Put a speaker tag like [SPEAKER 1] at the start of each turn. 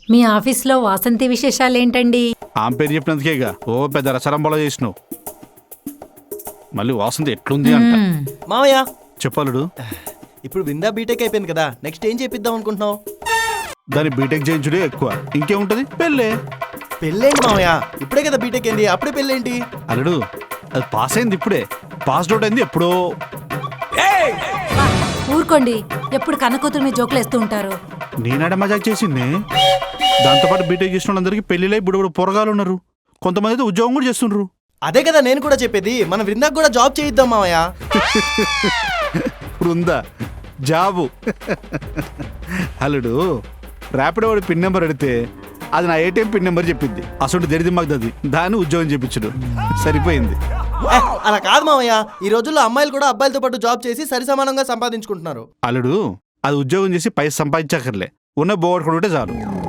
[SPEAKER 1] మీ ఆఫీస్లో వాసంతి విశేషాలేంటండి?
[SPEAKER 2] ఆమె పేరు చెప్పినందుకేగా ఓ పెద్ద రసరంబలో చేసినావు. మళ్ళీ వాసంతి ఎట్లుంది అంట.
[SPEAKER 3] మామయ్య
[SPEAKER 2] చెప్పాలుడు,
[SPEAKER 3] ఇప్పుడు విందా బీటెక్ అయిపోయింది కదా, నెక్స్ట్ ఏం చేపిద్దాం అనుకుంటున్నావు?
[SPEAKER 2] దాన్ని బీటెక్ చేయించుడే ఎక్కువ, ఇంకేముంటది పెళ్ళే.
[SPEAKER 3] పెళ్ళేంటి మామయ్య, ఇప్పుడే కదా బీటెక్ అయింది, అప్పుడే పెళ్ళేంటి?
[SPEAKER 2] అల్లుడు అది పాస్ అయింది ఇప్పుడే, పాస్ అవుట్ అయింది ఎప్పుడో.
[SPEAKER 1] ఊరుకోండి, ఎప్పుడు కన్నకూతురు మీద జోకులేస్తూ ఉంటారు.
[SPEAKER 2] నేనాడ మజాక్ చేసింది. దాంతోపాటు బీటెక్ చేసిన వాళ్ళందరికీ పెళ్లిలై బుడబుడు పొరగాలు ఉన్నారు, కొంతమంది అయితే ఉద్యోగం కూడా చేస్తుండ్రు.
[SPEAKER 3] అదే కదా నేను కూడా చెప్పేది, మన వృందాకు కూడా జాబ్ చేయిద్దాం మామయ్య.
[SPEAKER 2] ఇప్పుడు ఉందా జాబు? అల్లుడు ర్యాపిడో వాడి పిన్ నెంబర్ అడిగితే అది నా ఏటీఎం పిన్ నెంబర్ చెప్పింది. అసలు దరిది మాకు దాన్ని ఉద్యోగం చెప్పించుడు సరిపోయింది.
[SPEAKER 3] అలా కాదు మామయ్య, ఈ రోజుల్లో అమ్మాయిలు కూడా అబ్బాయిలతో పాటు జాబ్ చేసి సరి సమానంగా సంపాదించుకుంటున్నారు.
[SPEAKER 2] అల్లుడు అది ఉద్యోగం చేసి పైసలు సంపాదించక్కర్లే, ఉన్న బోగొట్టుకుంటే చాలు.